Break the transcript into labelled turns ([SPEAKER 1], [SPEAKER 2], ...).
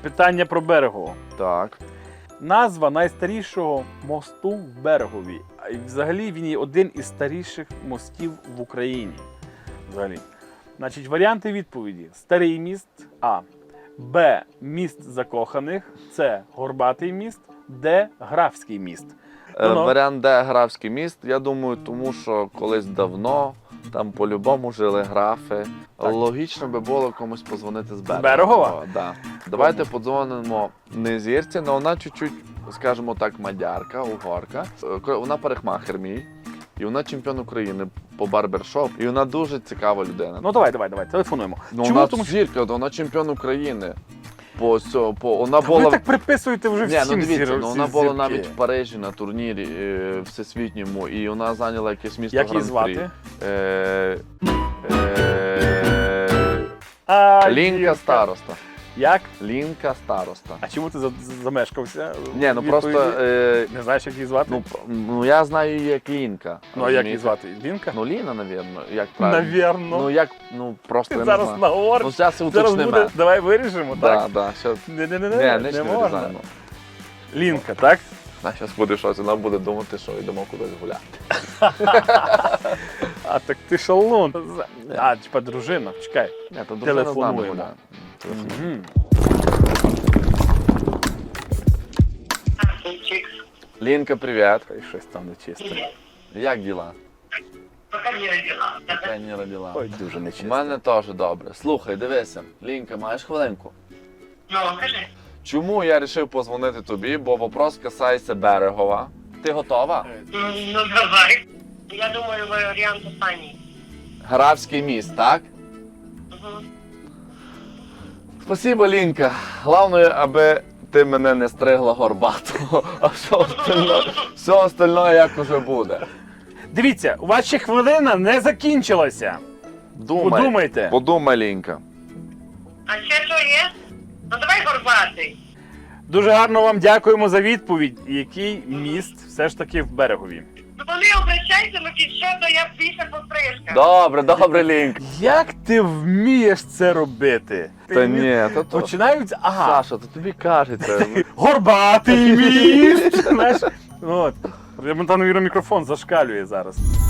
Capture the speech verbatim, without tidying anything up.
[SPEAKER 1] Питання про Берегово.
[SPEAKER 2] Так.
[SPEAKER 1] Назва найстарішого мосту в Берегові. А й взагалі він є один із старіших мостів в Україні. Взагалі. Значить, варіанти відповіді. Старий міст А. Б. Міст закоханих. С. Горбатий міст. Д. Графський міст.
[SPEAKER 2] Е,
[SPEAKER 1] Ну-ну.
[SPEAKER 2] Варіант Д – Графський міст. Я думаю, тому що колись давно там по-любому жили графи.
[SPEAKER 1] Так.
[SPEAKER 2] Логічно би було комусь позвонити з Берегова.
[SPEAKER 1] Берегова?
[SPEAKER 2] Да. Давайте подзвонимо не зірці, але вона чуть-чуть, скажімо так, мадярка, угорка. Е, Вона парикмахер мій. І вона чемпіон України по барбершоп. І вона дуже цікава людина.
[SPEAKER 1] Ну давай, давай, давай, телефонуємо.
[SPEAKER 2] Ну,
[SPEAKER 1] Чому?
[SPEAKER 2] вона
[SPEAKER 1] Тому що
[SPEAKER 2] зірка, вона чемпіон України. По, цьо- по, вона
[SPEAKER 1] ви
[SPEAKER 2] була...
[SPEAKER 1] так приписуєте вже
[SPEAKER 2] Ні,
[SPEAKER 1] всім
[SPEAKER 2] ну дивіться,
[SPEAKER 1] зір-
[SPEAKER 2] ну,
[SPEAKER 1] всі
[SPEAKER 2] вона була
[SPEAKER 1] зірки.
[SPEAKER 2] навіть в Парижі на турнірі е, всесвітньому, і вона зайняла якесь місто
[SPEAKER 1] Як її
[SPEAKER 2] Гран-прі.
[SPEAKER 1] звати?
[SPEAKER 2] Е, е,
[SPEAKER 1] А,
[SPEAKER 2] Лінка
[SPEAKER 1] Лінка.
[SPEAKER 2] староста.
[SPEAKER 1] Як?
[SPEAKER 2] Лінка староста.
[SPEAKER 1] А чому ти за- замешкався?
[SPEAKER 2] Ні, ну
[SPEAKER 1] в
[SPEAKER 2] просто,
[SPEAKER 1] відповіді?
[SPEAKER 2] е,
[SPEAKER 1] Не знаєш, як її звати?
[SPEAKER 2] ну, п- ну я знаю її як Лінка.
[SPEAKER 1] Ну, а як її
[SPEAKER 2] розумієте?
[SPEAKER 1] звати? Лінка?
[SPEAKER 2] Ну Ліна, навірно, як правильно.
[SPEAKER 1] Навірно.
[SPEAKER 2] Ну як, ну просто
[SPEAKER 1] Ти
[SPEAKER 2] я не
[SPEAKER 1] зараз
[SPEAKER 2] знаю.
[SPEAKER 1] наговориш.
[SPEAKER 2] Ну зараз
[SPEAKER 1] Зараз
[SPEAKER 2] уточнимо.
[SPEAKER 1] буде, давай виріжемо,
[SPEAKER 2] Да,
[SPEAKER 1] так?
[SPEAKER 2] да, щас.
[SPEAKER 1] Не, не, не,
[SPEAKER 2] Ні,
[SPEAKER 1] не,
[SPEAKER 2] не,
[SPEAKER 1] не
[SPEAKER 2] не
[SPEAKER 1] можна.
[SPEAKER 2] вирізаємо.
[SPEAKER 1] Лінка, так?
[SPEAKER 2] Вона зараз буде щось, вона буде думати, що йдемо кудись гуляти.
[SPEAKER 1] А так ти шалун. А, типа дружина, чекай.
[SPEAKER 2] Ні, то дружина з нами
[SPEAKER 1] Телефонуємо.
[SPEAKER 2] гуляє. Телефонуємо.
[SPEAKER 1] Мгм.
[SPEAKER 2] Лінка, привіт.
[SPEAKER 1] Хай щось там нечисте.
[SPEAKER 2] Як діла?
[SPEAKER 3] Пока не родила.
[SPEAKER 2] Яка не родила?
[SPEAKER 1] Ой, дуже
[SPEAKER 2] У
[SPEAKER 1] нечисте.
[SPEAKER 2] мене теж добре. Слухай, дивися, Лінка, маєш хвилинку?
[SPEAKER 3] Ну, кажи.
[SPEAKER 2] Чому я вирішив позвонити тобі, бо вопрос касається Берегова. Ти готова?
[SPEAKER 3] Ну, ну, давай. Я думаю, варіант останній.
[SPEAKER 2] Графський міст, так?
[SPEAKER 3] Угу.
[SPEAKER 2] Спасибо, Лінка. Головне, аби ти мене не стригла горбатого, а все остальне, все остальне як уже буде.
[SPEAKER 1] Дивіться, у вас ще хвилина не закінчилася.
[SPEAKER 2] Думай.
[SPEAKER 1] Подумайте.
[SPEAKER 2] Подумай, Лінка.
[SPEAKER 3] А ще що є? Ну, давай горбатий.
[SPEAKER 1] Дуже гарно вам дякуємо за відповідь. Який міст все ж таки в Берегові?
[SPEAKER 3] Ну, вони обращаються, ну, під що, то я більше пострижка.
[SPEAKER 2] Добре, добре, Лінка.
[SPEAKER 1] Як ти вмієш це робити?
[SPEAKER 2] Та ні, то то.
[SPEAKER 1] Починаються, ага,
[SPEAKER 2] Саша, то тобі кажеться.
[SPEAKER 1] горбатий міст. Знаєш, от. Там, навірно, мікрофон зашкалює зараз.